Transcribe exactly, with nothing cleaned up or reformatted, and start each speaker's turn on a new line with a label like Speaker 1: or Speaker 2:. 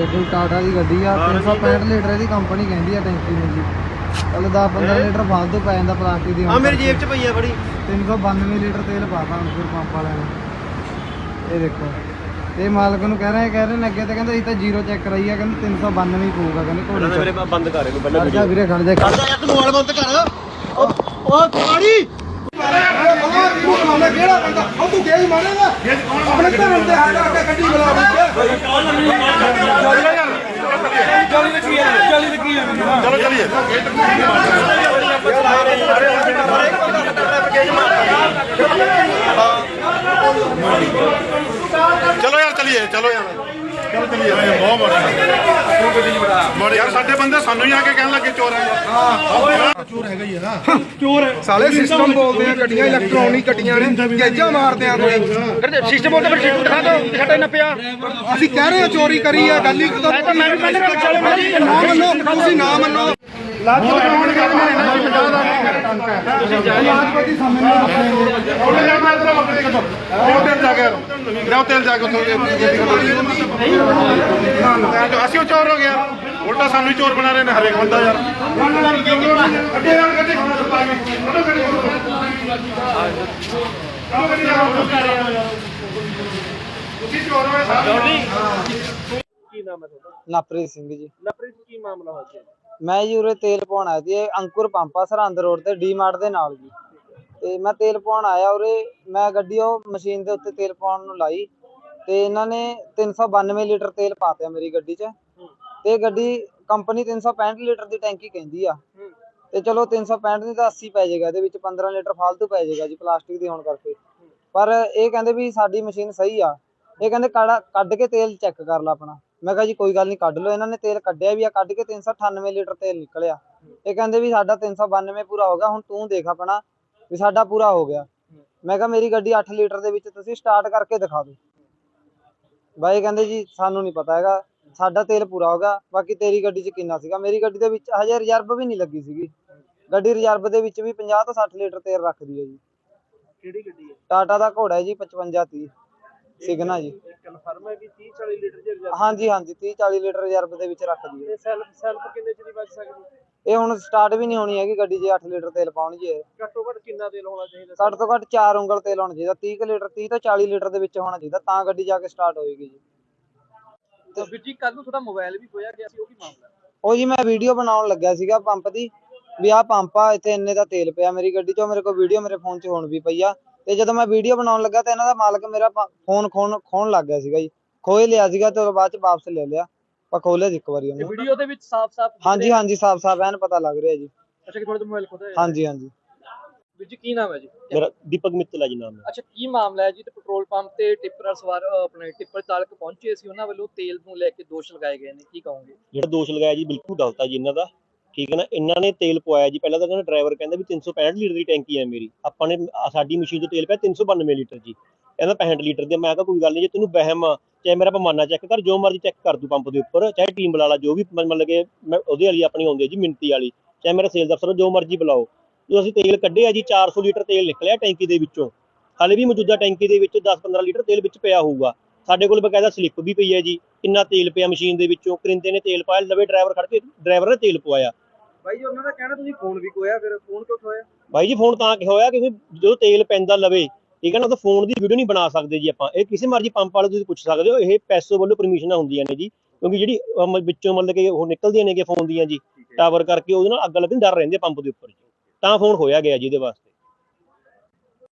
Speaker 1: देखो टाटा की गड्डी आ तीन सौ पैंठ लीटर की कंपनी कहती है टैंकी में जी। चलो दस पंद्रह लीटर फालतू पै जाता प्लास्टिक की।
Speaker 2: मेरी जेब च पई है बड़ी
Speaker 1: तीन सौ बानवे लीटर तेल पाता अंकुर पंप वाले ने। ये देखो ये मालक ਨੂੰ कह रहे कह रहे ने अगे तो कहते इतना जीरो चेक कराई है कहते तीन सौ बानवे ही पऊगा कहते घोड़े
Speaker 2: मेरे बंद कर
Speaker 1: खड़ जा वीरे खड़ जा
Speaker 2: खड़ जा यार तू मोबाइल बंद कर ओ ओ गाड़ी ਕਿਹੜਾ ਬੰਦਾ ਉਹ ਤੂੰ ਗੇਜ ਮਾਰੇਗਾ ਆਪਣੇ ਧਰਮ ਤੇ ਹੱਥ ਰੱਖ ਕੇ ਗੱਡੀ ਬੁਲਾ ਚਲੋ ਲੱਗੀ ਹੈ ਚਲੀ ਲੱਗੀ ਹੈ ਚਲੋ ਚਲੀਏ ਚਲੋ ਯਾਰ ਚਲੀਏ ਚਲੋ ਯਾਰ ਚਲੋ ਚਲੀਏ ਬਹੁਤ ਬੜਾ ਮੋੜ ਯਾਰ ਸਾਡੇ ਬੰਦੇ ਸਾਨੂੰ ਹੀ ਆ ਕੇ ਕਹਿਣ ਲੱਗੇ ਚੋਰ ਆ ਯਾਰ ਹਾਂ ਚੋਰ ਹੈਗਾ ਹੀ ਹੈ ਨਾ ਚੋਰ
Speaker 3: ਸਾਲੇ ਸਿਸਟਮ ਬੋਲਦੇ ਆ ਗੱਡੀਆਂ ਇਲੈਕਟ੍ਰੋਨਿਕ ਗੱਡੀਆਂ ਨੇ ਗੇਜਾਂ ਮਾਰਦੇ ਆ ਕੋਈ
Speaker 2: ਸਿਸਟਮ ਬੋਲਦੇ ਫਿਰ ਸਿਸਟਮ ਦਿਖਾ ਦੋ ਸਾਡਾ ਇੰਨਾ ਪਿਆ
Speaker 3: ਅਸੀਂ ਕਹਿ ਰਹੇ ਆ ਚੋਰੀ ਕਰੀ ਆ ਗੱਲ ਹੀ
Speaker 2: ਤਾਂ ਮੈਂ ਵੀ ਪਹਿਲੇ ਨਾਲ ਚੱਲ
Speaker 3: ਨਾ ਮੰਨੋ ਤੁਸੀਂ ਨਾ ਮੰਨੋ
Speaker 2: ਲਾਜ ਕਰਾਉਣ ਕਹਿੰਦੇ ਨੇ ਨਾ ਪੰਜਾਹ ਦਾ
Speaker 3: ਲਾਜਪਤੀ ਸਾਹਮਣੇ
Speaker 2: ਉਹਨੇ ਯਾਰ ਮੈਂ ਤੇਰਾ ਬੱਕਰੀ ਕੱਢੋ ਉਹ ਤੇਲ ਜਾ ਕੇ ਲਿਆਓ ਤੇਲ ਜਾ ਕੇ ਉੱਥੋਂ ਅਸੀਂ ਉਹ ਚੋਰ ਹੋ ਗਿਆ ਉਲਟਾ ਸਾਨੂੰ ਹੀ ਚੋਰ ਬਣਾ ਰਹੇ ਨੇ ਹਰੇਕ ਬੰਦਾ ਯਾਰ ਅੱਗੇ ਯਾਰ ਗੱਡੀ ਤੁਸੀਂ ਚੋਰ ਹੋਏ ਸਾਰੇ ਕੀ ਨਾਮ ਹੈ ਤੁਹਾਡਾ?
Speaker 1: ਨਪ੍ਰੀਤ ਸਿੰਘ ਜੀ।
Speaker 2: ਨਪ੍ਰੀਤ ਕੀ ਮਾਮਲਾ ਹੋਇਆ ਜੀ?
Speaker 1: मैं जी उरे तेल पवाउण आया ਸੀ अंकुर पंप आ सरहंद रोड ते डी मार्ट ਦੇ ਨਾਲ ਜੀ। ਤੇ ਮੈਂ ਤੇਲ ਪਵਾਉਣ ਆਇਆ ਉਰੇ ਮੈਂ ਗੱਡੀ ਉਹ ਮਸ਼ੀਨ ਦੇ ਉੱਤੇ ਤੇਲ ਪਾਉਣ ਨੂੰ ਲਾਈ ਤੇ ਇਹਨਾਂ ਨੇ ਤਿੰਨ ਸੌ ਬਾਨਵੇਂ ਲੀਟਰ ਤੇਲ ਪਾਤਿਆ ਮੇਰੀ ਗੱਡੀ 'ਚ ਤੇ ਗੱਡੀ ਕੰਪਨੀ ਤਿੰਨ ਸੌ ਪੈਂਹਠ ਲੀਟਰ ਦੀ ਟੈਂਕੀ ਕਹਿੰਦੀ ਆ ਤੇ ਚਲੋ ਤਿੰਨ ਸੌ ਪੈਂਹਠ ਦੀ ਤਾਂ ਅੱਸੀ ਪੈ ਜਾਏਗਾ ਇਹਦੇ ਵਿੱਚ ਪੰਦਰਾਂ ਲੀਟਰ ਫालतू ਪੈ ਜਾਏਗਾ ਜੀ ਪਲਾਸਟਿਕ ਦੀ ਹੋਣ ਕਰਕੇ। ਪਰ ਇਹ ਕਹਿੰਦੇ ਵੀ ਸਾਡੀ ਮਸ਼ੀਨ ਸਹੀ ਆ ਇਹ ਕਹਿੰਦੇ ਕੱਢ ਕੇ ਤੇਲ ਚੈੱਕ ਕਰ ਲਾ ਆਪਣਾ। मैं कहा जी कोई गल नहीं कढ़ लो इन्होंने तेल कढ़िया भी आ कढ़ के तीन सौ अठानवे लीटर तेल निकलिया ये कहते भी साडा तीन सौ बानवे पूरा हो गया हुण तू देख अपना भी साडा पूरा हो गया। मैं कहा मेरी गड्डी अठ लीटर दे विच तुसीं स्टार्ट करके दिखा दो भाई कहते जी सानू नहीं पता हैगा साडा तेल पूरा हो गया बाकी तेरी गड्डी च किन्ना सीगा। मेरी गड्डी दे विच हजे रिजर्व भी नहीं लगी सीगी गड्डी रिजर्व दे विच भी पचास तो सठ लीटर तेल रखदी है जी।
Speaker 2: ਕਿਹੜੀ ਗੱਡੀ ਹੈ?
Speaker 1: टाटा दा घोड़ा है जी पचवंजा तीह सिग्ना जी।
Speaker 2: ਕਨਫਰਮ ਹੈ ਕਿ तीस चालीस लीटर ਦੀ ਰਿਜ਼ਰਵ?
Speaker 1: हाँ जी हाँ जी तीह चाली लीटर रिजर्व दे विच रखदी है।
Speaker 2: ਤੇ ਸੈਲਫ ਸੈਲਫ ਕਿੰਨੇ ਚ ਦੀ ਵੱਜ ਸਕਦੀ?
Speaker 1: ਇਹ ਹੁਣ ਸਟਾਰਟ ਵੀ ਨਹੀਂ ਹੋਣੀ ਹੈਗੀ ਗੱਡੀ ਜੇ ਅੱਠ ਲੀਟਰ ਤੇਲ ਪਾਉਣ ਜੀ।
Speaker 2: ਘੱਟੋ ਘੱਟ ਕਿੰਨਾ ਤੇਲ ਹੋਣਾ ਚਾਹੀਦਾ?
Speaker 1: ਘੱਟ ਤੋਂ ਘੱਟ ਚਾਰ ਉਂਗਲ ਤੇਲ ਹੋਣਾ ਚਾਹੀਦਾ तीस ਕੁ ਲੀਟਰ तीस ਤੋਂ ਚਾਲੀ ਲੀਟਰ ਦੇ ਵਿੱਚ ਹੋਣਾ ਚਾਹੀਦਾ ਤਾਂ ਗੱਡੀ ਜਾ ਕੇ ਸਟਾਰਟ ਹੋਏਗੀ ਜੀ।
Speaker 2: ਤੇ ਵੀਰ ਜੀ ਕੱਲ ਨੂੰ ਤੁਹਾਡਾ ਮੋਬਾਈਲ ਵੀ ਖੋਇਆ ਗਿਆ ਸੀ ਉਹ ਕੀ ਮਾਮਲਾ?
Speaker 1: ਉਹ ਜੀ ਮੈਂ ਵੀਡੀਓ ਬਣਾਉਣ ਲੱਗਿਆ ਸੀਗਾ ਪੰਪ ਦੀ ਵੀ ਆਹ ਪੰਪ ਆ ਇੱਥੇ ਇੰਨੇ ਦਾ ਤੇਲ ਪਿਆ ਮੇਰੀ ਗੱਡੀ 'ਚੋਂ ਮੇਰੇ ਕੋਲ ਵੀਡੀਓ ਮੇਰੇ ਫੋਨ 'ਚ ਹੁਣ ਵੀ ਪਈ ਆ ਤੇ ਜਦੋਂ ਮੈਂ ਵੀਡੀਓ ਬਣਾਉਣ ਲੱਗਾ ਤਾਂ ਇਹਨਾਂ ਦਾ ਮਾਲਕ ਮੇਰਾ ਫੋਨ ਖੋਣ ਖੋਣ ਲੱਗ ਗਿਆ ਸੀਗਾ ਜੀ। ਖੋਏ ਲਿਆ ਸੀਗਾ ਤੇ ਬਾਅਦ 'ਚ ਵਾਪਸ ਲੈ ਲਿਆ ਪਰ ਖੋਲਿਆ ਸੀ ਇੱਕ ਵਾਰੀ ਉਹਨੇ।
Speaker 2: ਵੀਡੀਓ ਦੇ ਵਿੱਚ ਸਾਫ਼-ਸਾਫ਼
Speaker 1: ਹਾਂਜੀ ਹਾਂਜੀ ਸਾਫ਼ ਸਾਫ਼ ਐਨ ਪਤਾ ਲੱਗ ਰਿਹਾ ਜੀ।
Speaker 2: ਅੱਛਾ ਕਿ ਤੁਹਾਡਾ ਮੋਬਾਈਲ ਖੋਦਾ ਹੈ?
Speaker 1: ਹਾਂਜੀ ਹਾਂਜੀ।
Speaker 2: ਵੀਰ ਜੀ ਕੀ ਨਾਮ ਹੈ ਜੀ?
Speaker 4: ਮੇਰਾ ਦੀਪਕ ਮਿੱਤਲ ਹੈ ਜੀ ਨਾਮ।
Speaker 2: ਅੱਛਾ ਕੀ ਮਾਮਲਾ ਹੈ ਜੀ? ਤੇ ਪੈਟਰੋਲ ਪੰਪ ਤੇ ਟਿੱਪਰ ਸਵਾਰ ਆਪਣੇ ਟਿੱਪਰ ਚਾਲਕ ਪਹੁੰਚੇ ਸੀ ਉਹਨਾਂ ਵੱਲੋਂ ਤੇਲ ਨੂੰ ਲੈ ਕੇ ਦੋਸ਼ ਲਗਾਏ ਗਏ ਨੇ ਕੀ ਕਹੋਗੇ?
Speaker 4: ਜਿਹੜਾ ਦੋਸ਼ ਲਗਾਇਆ ਜੀ ਬਿਲਕੁਲ ਗਲਤ ਆ ਜੀ ਇਹਨਾਂ ਦਾ। ਠੀਕ ਹੈ ਨਾ ਇਹਨਾਂ ਨੇ ਤੇਲ ਪਵਾਇਆ ਜੀ ਪਹਿਲਾਂ ਤਾਂ ਕਹਿੰਦਾ ਡਰਾਈਵਰ ਕਹਿੰਦਾ ਵੀ ਤਿੰਨ ਸੌ ਪੈਂਹਠ ਲੀਟਰ ਦੀ ਟੈਂਕੀ ਹੈ ਮੇਰੀ ਆਪਾਂ ਨੇ ਸਾਡੀ ਮਸ਼ੀਨ 'ਚ ਤੇਲ ਪਿਆ ਤਿੰਨ ਸੌ ਬਾਨਵੇਂ ਲੀਟਰ ਜੀ ਕਹਿੰਦਾ ਪੈਂਹਠ ਲੀਟਰ ਦੇ। ਮੈਂ ਕਿਹਾ ਕੋਈ ਗੱਲ ਨਹੀਂ ਜੇ ਤੈਨੂੰ ਵਹਿਮ ਚਾਹੇ ਮੇਰਾ ਪਮਾਨਾ ਚੈੱਕ ਕਰ ਜੋ ਮਰਜ਼ੀ ਚੈੱਕ ਕਰ ਦੂ ਪੰਪ ਦੇ ਉੱਪਰ ਚਾਹੇ ਟੀਮ ਬੁਲਾ ਲਾ ਜੋ ਵੀ ਮਤਲਬ ਕਿ ਮੈਂ ਉਹਦੇ ਵਾਲੀ ਆਪਣੀ ਆਉਂਦੀ ਹੈ ਜੀ ਮਿੰਤੀ ਵਾਲੀ ਚਾਹੇ ਮੇਰਾ ਸੇਲਸ ਅਫਸਰ ਜੋ ਮਰਜ਼ੀ ਬੁਲਾਓ। ਜੋ ਅਸੀਂ ਤੇਲ ਕੱਢਿਆ ਜੀ ਚਾਰ ਸੌ ਲੀਟਰ ਤੇਲ ਨਿਕਲਿਆ ਟੈਂਕੀ ਦੇ ਵਿੱਚੋਂ ਹਾਲੇ ਵੀ ਮੌਜੂਦਾ ਟੈਂਕੀ ਦੇ ਵਿੱਚ ਦਸ ਪੰਦਰਾਂ ਲੀਟਰ ਤੇਲ ਵਿੱਚ ਪਿਆ ਹੋਊਗਾ। ਸਾਡੇ ਕੋਲ ਬਕਾਇਦਾ ਸਲਿੱਪ ਵੀ ਪਈ ਹੈ ਜੀ ਕਿੰਨਾ ਤੇਲ ਪਿਆ ਮਸ਼ੀਨ ਦੇ ਵਿੱਚੋਂ ਕਰਿੰਦੇ ਨੇ ਤੇਲ ਪਾਇਆ ਲਵੇ ਡਰਾਈਵਰ ਖੜ ਕੇ ਡਰਾਈਵਰ ਨੇ ਤੇਲ ਪਵਾਇਆ।
Speaker 2: ਬਾਈ ਜੀ ਉਹਨਾਂ ਦਾ ਕਹਿਣਾ ਤੁਸੀਂ ਫੋਨ ਵੀ ਖੋਇਆ ਫਿਰ ਫੋਨ ਕਿਉਂ ਖੋਇਆ?
Speaker 4: ਬਾਈ ਜੀ ਫੋਨ ਤਾਂ ਕਿ ਹੋਇਆ ਕਿਉਂਕਿ ਜਦੋਂ ਤੇਲ ਪੈਂਦਾ ਲਵੇ ਠੀਕ ਹੈ ਨਾ ਉਹ ਫੋਨ ਦੀ ਵੀਡੀਓ ਨਹੀਂ ਬਣਾ ਸਕਦੇ ਜੀ ਆਪਾਂ। ਇਹ ਕਿਸੇ ਮਰਜ਼ੀ ਪੰਪ ਵਾਲੇ ਤੁਸੀਂ ਪੁੱਛ ਸਕਦੇ ਹੋ ਇਹ ਪੈਸੋ ਵੱਲੋਂ ਪਰਮਿਸ਼ਨਾਂ ਹੁੰਦੀਆਂ ਨੇ ਜੀ ਕਿਉਂਕਿ ਜਿਹੜੀ ਵਿੱਚੋਂ ਮਤਲਬ ਕਿ ਉਹ ਨਿਕਲਦੀਆਂ ਨੇ ਫੋਨ ਦੀਆਂ ਜੀ ਟਾਵਰ ਕਰਕੇ ਉਹਦੇ ਨਾਲ ਅੱਗ ਲੱਗਣ ਡਰ ਰਹਿੰਦੇ ਪੰਪ ਦੇ ਉੱਪਰ ਤਾਂ ਫੋਨ ਹੋਇਆ ਗਿਆ ਜੀ ਇਹਦੇ ਵਾਸਤੇ।